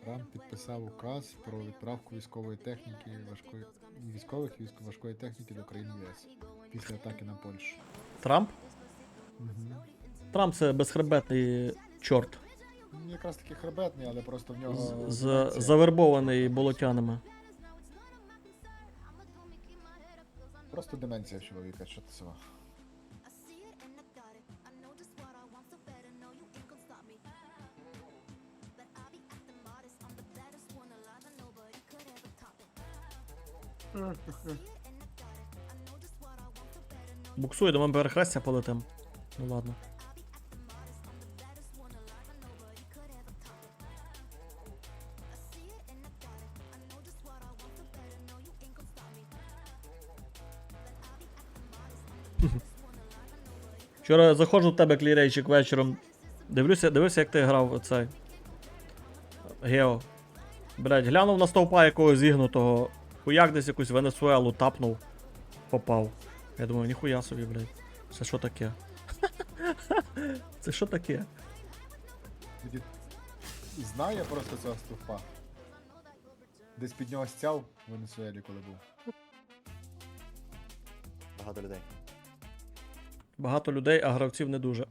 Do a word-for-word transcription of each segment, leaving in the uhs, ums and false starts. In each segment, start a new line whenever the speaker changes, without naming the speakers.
Трамп підписав указ про відправку військової техніки важкої військових військ важкої техніки до країн ЄС після атаки на Польщу.
Трамп?
Угу.
Трамп це безхребетний чорт.
Він якраз таки хребетний, але просто в нього
З, з,
деменція.
завербований болотянами.
Просто деменція в чоловіка, що це.
Буксує, до мене перехрестя полетим. Ну ладно. Вчора заходжу в тебе, клірейчик, вечором. Дивлюся, дивився, як ти грав оцей. Гео. Блять, глянув на стовпа якогось зігнутого. Хуяк десь якусь Венесуелу тапнув. Попав. Я думаю, ніхуя собі, блядь. Це що таке? Це що таке?
Він знає просто цього стовпа. Десь під нього стяв в Венесуелі, коли був.
Багато людей.
Багато людей, а гравців не дуже.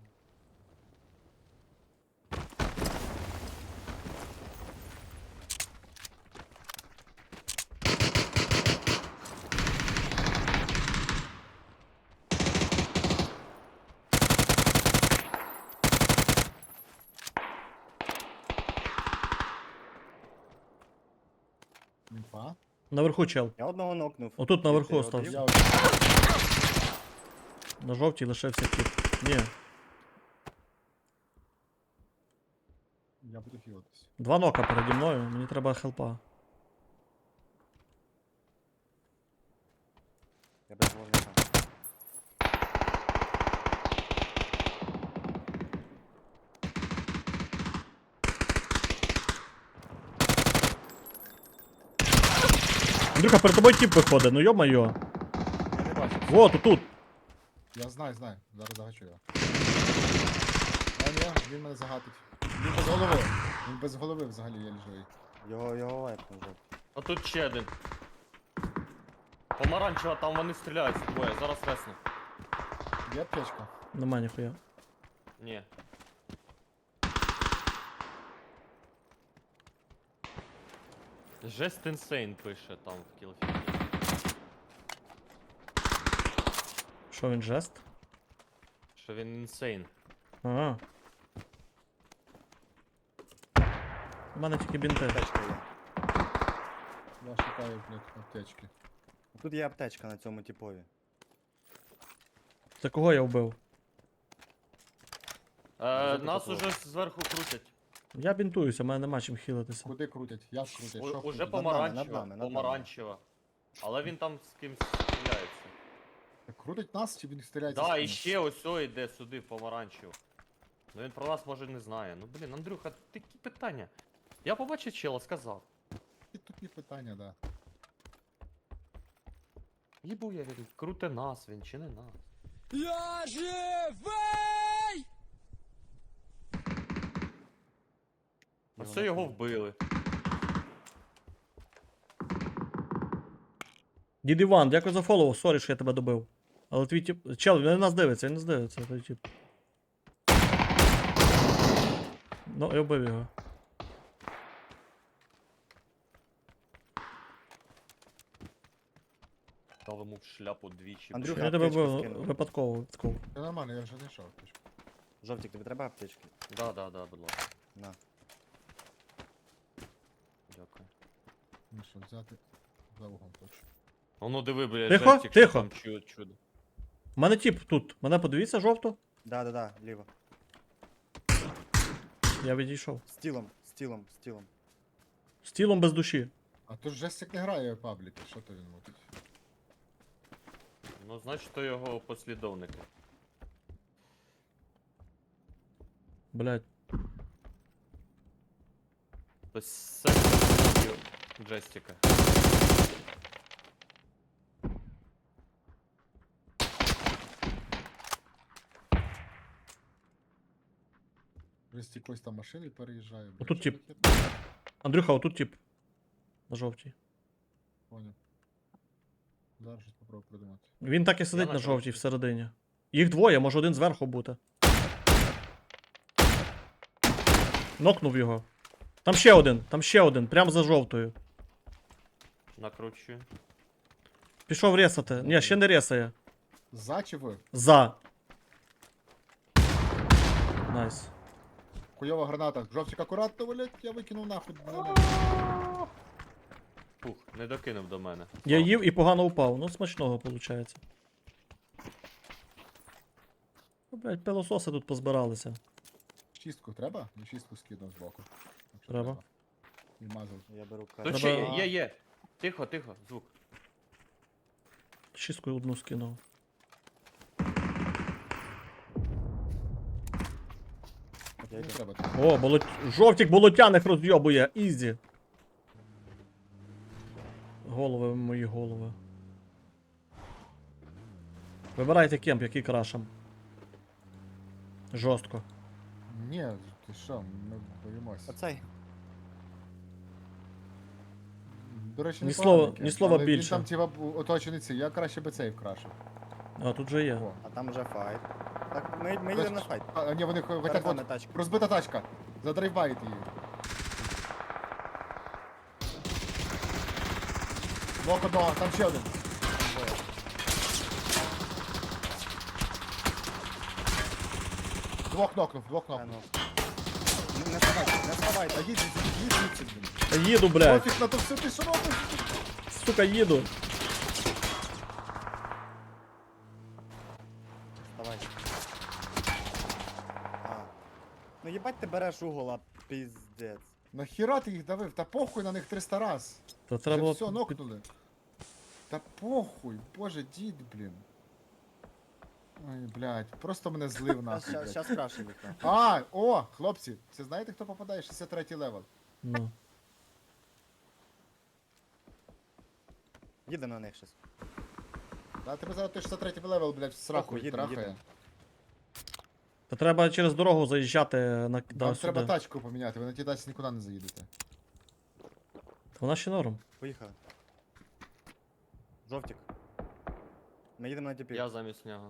Інфа.
Наверху чел.
Я одного нокнув.
Отут наверху
Ти
остався.
один?
Я
На жовтій лишився тип. Ні.
Я буду хілитись.
Два нока переді мною, мені треба хелпа.
Я без вогника.
Андрюха, перед тобою тип виходить, ну йо-майо.
Я не бачу.
Во, тут, тут.
Я знаю, знаю. Зараз загачу його. А ні, він мене загатить. Він без голови. Він без голови взагалі є живий.
Його, його лайпнув вже.
А тут ще один. Помаранчева, там вони стріляються двоє, зараз весну.
Є аптечка?
Нема ніхуя.
Ні. Жест інсейн пише там в кілфі.
Що він жест?
Що він інсейн.
Ага. У мене тільки бінти.
Аптечка є.
Я шукаю, блядь, аптечки.
Тут є аптечка на цьому типові.
Це кого я вбив?
Е,
Дуже
нас
такого.
уже зверху крутять.
Я бінтуюся, у мене нема чим хілитися.
Куди крутять? Я ж крутять.
У,
Що
уже
крутять?
нами,
помаранчева.
над нами, над нами.
Помаранчева. Але він там з кимсь стріляється.
Крутить нас чи він стріляється? з
Да, і
кимось?
ще ось о йде сюди в помаранчеву. Ну він про нас може не знає. Ну блін, Андрюха, такі питання. Я побачив чела, сказав.
І тупі питання, да.
Їбу я він, круте нас, він чи не нас.
Я живий!
А все його вбили.
Дід Іван, дякую за фоллоу, сорі, що я тебе добив. Але твій тип. Чел, він на нас дивиться, він нас дивиться, той тип. Ну, я вбив його.
Дав йому в шляпу двічі.
Андрюха,
Я тебе
аптечку
вбив
скинув.
випадково, випадково.
Це нормально, я вже знайшов аптечку.
Жовтик, тобі треба аптечки?
Да, да, да, будь ласка.
На.
Дякую.
Ну що, взяти за угол точно.
А ну диви, блядь,
Тихо,
жестик,
тихо.
що там чудо, чудо.
У мене тип тут. Мене подивіться жовто.
Да, да, да, ліво.
Я відійшов.
З тілом, з тілом, з тілом.
З тілом без душі.
А то ж Жестик не грає в пабліки, що то він мутить?
Ну, значить, то його послідовники.
Блять.
То це джестика.
Жестик ось там машини переїжджає. блядь,
Отут
що
тип.
таке?
Андрюха, отут тип. На жовтій.
Понял. Зараз щось попробую придумати.
Він так і сидить
на
на жовтій
жовтій.
всередині. Їх двоє, може один зверху бути. Нокнув його. Там ще один, там ще один, прямо за жовтою.
Накручую.
Пішов ресати. Ні, ще не ресає.
За чи ви?
За. Найс.
Хуйова граната. Жовтик акуратно, блядь, я викинув нахуй.
Фух, не докинув до мене.
Я їв і погано упав. Ну, смачного виходить. Ну, блядь, пилососи тут позбиралися.
Чистку треба? Я чистку скинув збоку. Якщо
Треба.
І мазав.
Я беру
Тут
кайф.
ще є,
Треба-
є, є. Тихо, тихо, звук.
Чисткою одну скинув.
Я
Не
йду.
треба.
О, болот... жовтік болотяних розйобує. Ізі. Голови мої голови. Вибирайте кемп, який крашем. Жорстко.
Ні, ти що, ми боїмось.
Оцей.
До речі,
Ні
непоганий
слова-
кемп,
ні слова
але
більше.
Він там типа бу- оточений цей, я краще би цей вкрашив.
А тут же є.
О.
А там вже файт. Так, ми, ми йдемо на файт.
А, ні, вони хо- хотять
Перед
от,
нами тачка.
розбита тачка. Задрайвайте її. Блок одного, там ще один. Двох нокнув, двох
А,
нокнув.
ну. Не сховайте, не
А
сховайте.
їдь, їдь, їдь звідси, блін.
Та їду, блядь.
Пофіг на то все, ти що робиш?
Сука, їду.
Давай. А. Ну їбать ти береш угол, а піздець.
Нахіра ти їх давив? Та похуй на них триста раз.
Та
Вже
треба було...
все, нокнули. Та похуй, боже, дід, блін. Ой, блядь, просто мене злив нахуй,
Щас,
блядь.
щас краще вікно.
А, о, хлопці, це знаєте, хто попадає? шістдесят третій левел.
Ну.
Їдемо на них щас.
Да, тебе зараз той шістдесят третій левел, блядь, в сраку
Похуй, їдемо,
трахає.
їдемо.
Та треба через дорогу заїжджати на... да,
Вам
сюди.
треба тачку поміняти, ви на тій тачці нікуди не заїдете.
Та вона ще норм.
Поїхали. Жовтик. Ми їдемо на тіпі.
Я замість нього.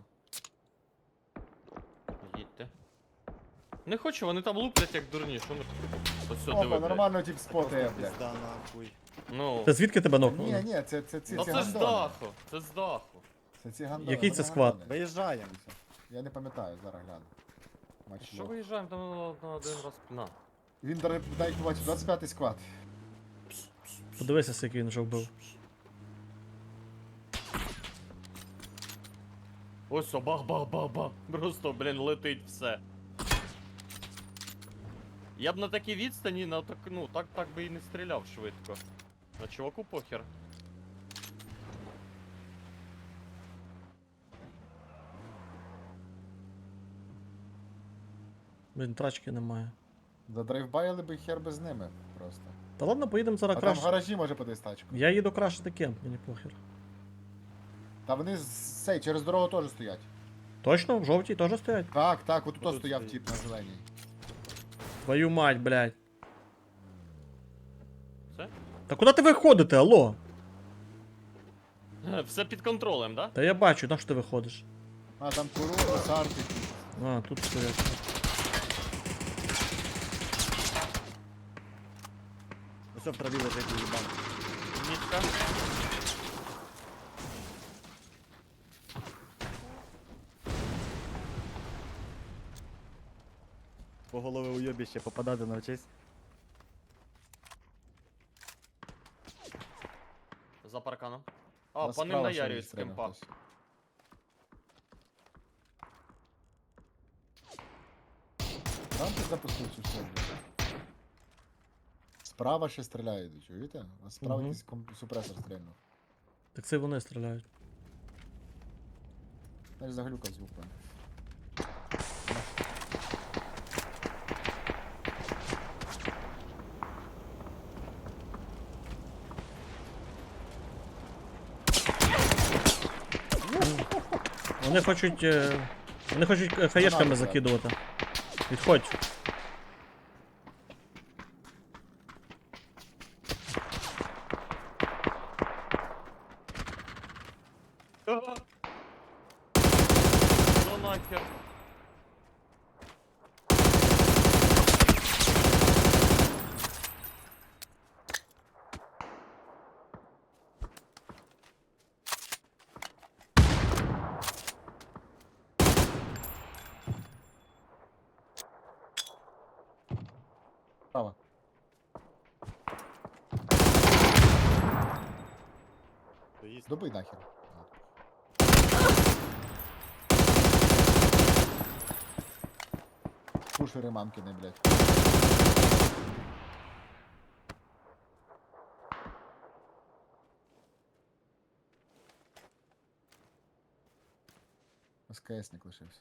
Їдьте. Не хочу, вони там луплять як дурні, що ми тут? Ось все,
Опа,
диви, блядь.
нормально тип спотає, блядь.
Пізда нахуй.
Ну,
Та звідки тебе
Ні,
нокнули?
ні, це, це, ці,
ну
ці
це ж з
гандони.
даху, це з даху.
Це ці гандони.
Який
вони
це склад?
гандони.
Виїжджаємо.
Я не пам'ятаю, зараз гляну. Матч
Що
лог.
виїжджаємо там на, на один раз? На.
Він дай дай бачу, двадцять п'ятий склад.
Подивися, скільки він вже вбив.
Ось о, бах-бах-бах-бах. Просто, блін, летить все. Я б на такій відстані, на так, ну, так, так би і не стріляв швидко. На чуваку похер.
Блін, трачки немає.
Задрайвбайили би хер би з ними просто.
Та ладно, поїдемо зараз
А там в
краще.
гаражі може подивись тачку.
Я їду крашити кемп, мені похер.
Та вони з цей, через дорогу теж стоять.
Точно? В жовтій теж стоять?
Так, так, отут
Отут
стояв
стоїть.
тип на зеленій.
Твою мать, блядь.
Все?
Та куди ти виходите, алло?
Все під контролем, да?
Та я бачу, на що ти виходиш?
А, там куру, сарки.
А, тут стоять.
Ось в траві лежить їбан.
Мітка.
По голови уйобіще попадати навчись.
За парканом. А, по ним наярюють з кемпа.
Там ти запустив цю все. Справа ще стріляють, чуєте? А справа
Мгм.
якийсь комп- супресор стрільнув.
Так це вони стріляють.
Знаєш, заглюкав звук, певно.
Вони хочуть. е, Вони хочуть е, хаєшками
Гранати,
закидувати. Відходь.
Ну нахер.
Справа.
То їсть.
Добий нахер. Пушери мамкини, блядь. СКСник лишився.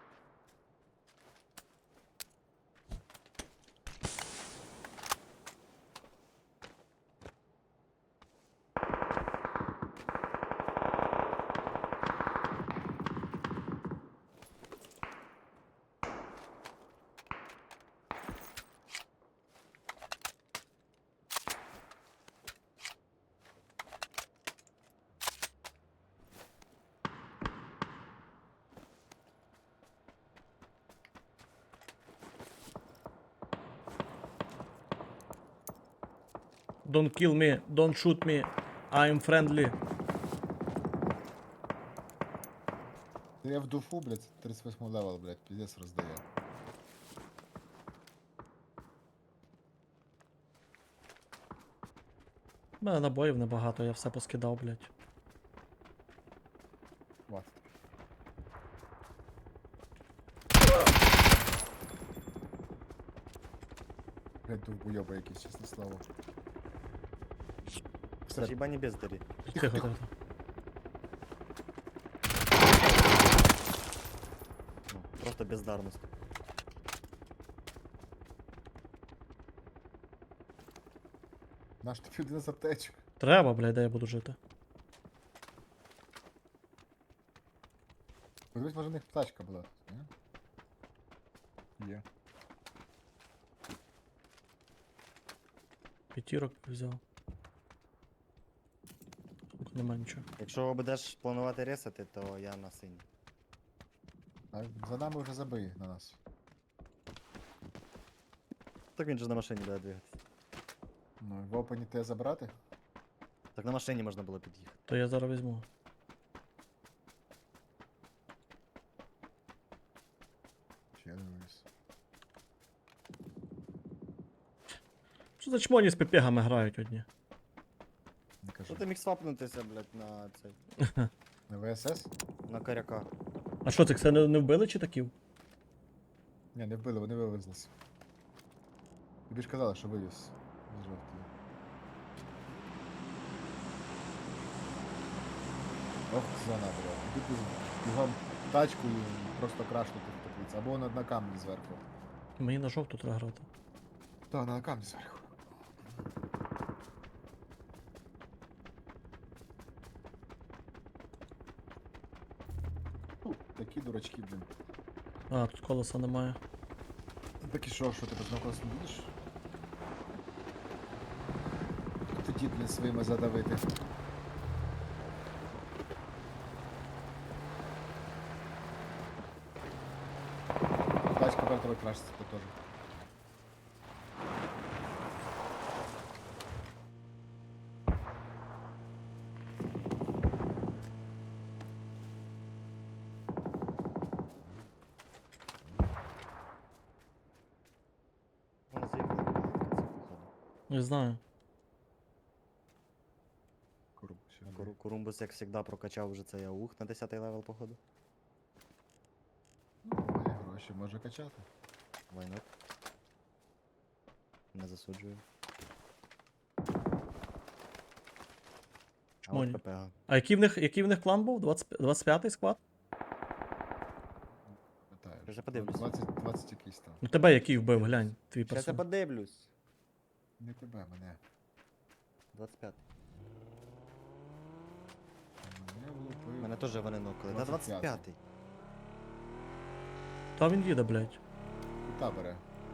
Don't kill me, don't shoot me, I'm friendly.
Я в дуфу, блядь, тридцять восьмий левел, блядь, пиздец роздає.
У мене набоїв небагато, я все поскидав, блядь.
Вот. Блядь, довбойоба якийсь, чесне слово. Всеред.
Хіба не бездарі.
Тихо, тихо. тихо.
Ну, просто бездарність.
Наш тобі один з аптечок.
Треба, блядь, де я буду жити.
Подивись, може в них тачка була. Ні? Є.
П'ятірок взяв. Тут нема нічого.
Якщо будеш планувати ресати, то я на синій.
А за нами вже забий на нас.
Так він же на машині буде двигатися.
Ну, в опені те забрати?
Так на машині можна було під'їхати.
То я зараз візьму.
Ще дивись.
Що за чмоні з пепегами грають одні?
Не кажу.
Що ти міг свапнутися, блядь, на цей.
На ВСС?
На коряка.
А що, цих це не, не вбили чи таків?
Ні, не вбили, вони вивезлися. Тобі ж казали, що вивіз. З жовтої. Ох, зона була. Іди ти бігом тачку і просто крашнути в теплиці. Або на, на камні зверху.
Мені на жовту треба грати.
Так, на камні зверху. Фу, такі дурачки, блін.
А, тут колеса немає.
Так і що, що ти без колес не будеш? Тоді, блін, своїми задавити. Тачка вертовий крашиться тут теж.
Вона заїхала в походу.
Не знаю.
Курб, ще не
Куру- Курумбус, як завжди, прокачав вже цей аух на десятий левел, походу.
Має гроші, може качати.
Вайнот. Не засуджую. А
Чмоні.
от ППГ.
А який в них, який в них клан був? двадцять, двадцять п'ятий склад?
Питаю.
Я вже подивлюсь.
двадцять, двадцять якийсь там.
Ну тебе який вбив, глянь, твій
Щас я
персон.
подивлюсь.
Не тебе, мене.
двадцять п'ятий.
Мене влупив.
Мене теж вони нокали. Да
двадцять п'ятий.
двадцять п'ятий.
Та він їде, блядь.
Кута бере.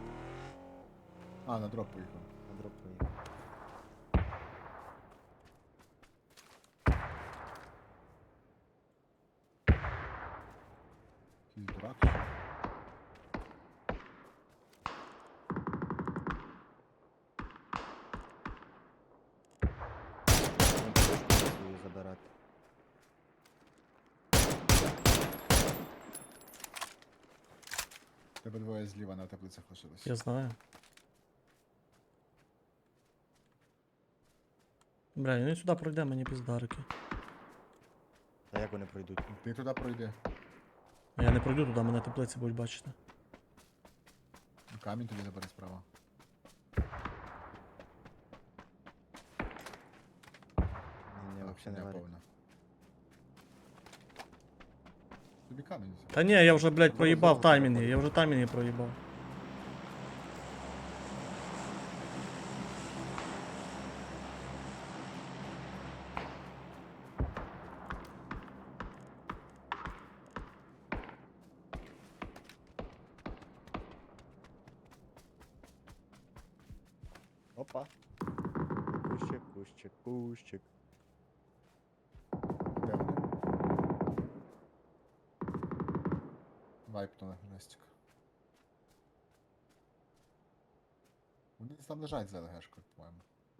А, на дроп поїхав.
На дроп поїхав.
Обидвоє зліва на теплицях лишились.
Я знаю. Бля, він сюди пройде, мені піздарики.
Та як вони пройдуть?
Ти туди пройди.
А я не пройду туди, мене теплиці будуть бачити.
Камінь тобі забери справа.
Ні, ні,
Так,
взагалі не варі.
повна. Тобі камінь. взяв.
Та ні, я вже, блядь,
Зараз
проїбав
знову
таймінги,
переходить.
я вже таймінги проїбав.
Опа. Кущик, кущик, кущик.
Де вони? Вайпнули жестик. Вони десь там лежать за ЛГшкою, по-моєму.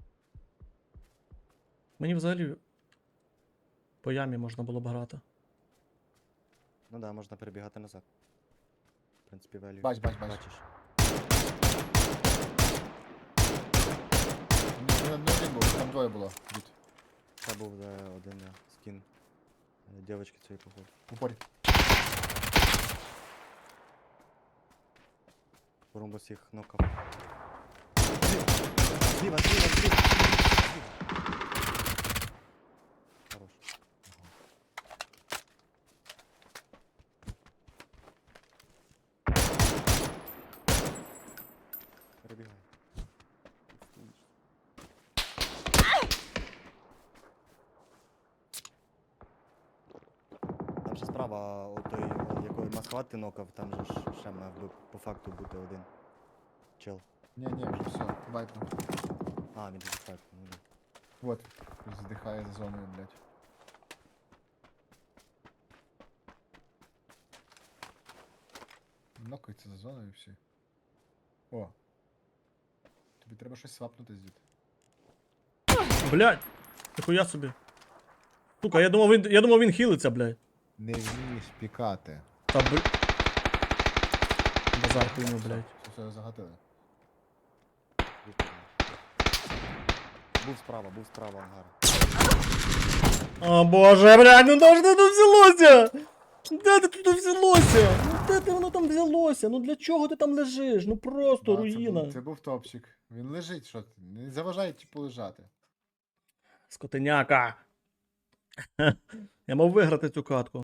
Мені взагалі по ямі можна було б грати.
Ну да, можна перебігати назад. В принципі, велю.
Бач, бач, бач.
Бачиш.
Ні, не, не один був, там двоє було. Дід.
Це був е, один е, скін е, дівчинки цієї походу.
Упорі.
Порумбус їх нокав. Зліва, зліва, зліва, зліва. Хорош. Перебігай. Там же справа, отой, якої масхват ти нокав, там же ж ще мав би по факту бути один. Чел.
Ні, ні, вже все, вайпнув.
А, він же факт. Ну, да.
Вот, здихає за зоною, блядь. Нокається за зоною і всі. О. Тобі треба щось свапнути з дід.
Блядь! Ніхуя собі. Сука, я думав, він, я думав, він хілиться, блядь.
Не вмієш пікати.
Та бл... Базар хуйню, блядь.
Все, все, загатили.
Відповідно. Був справа, був справа ангар.
О боже, блядь, ну де ж це тут взялося? Де ти тут взялося? Ну де ти воно там взялося? Ну для чого ти там лежиш? Ну просто
Да, це,
руїна.
був, це був топчик. Він лежить, що ти? Не заважає типу лежати.
Скотиняка. Я мав виграти цю катку.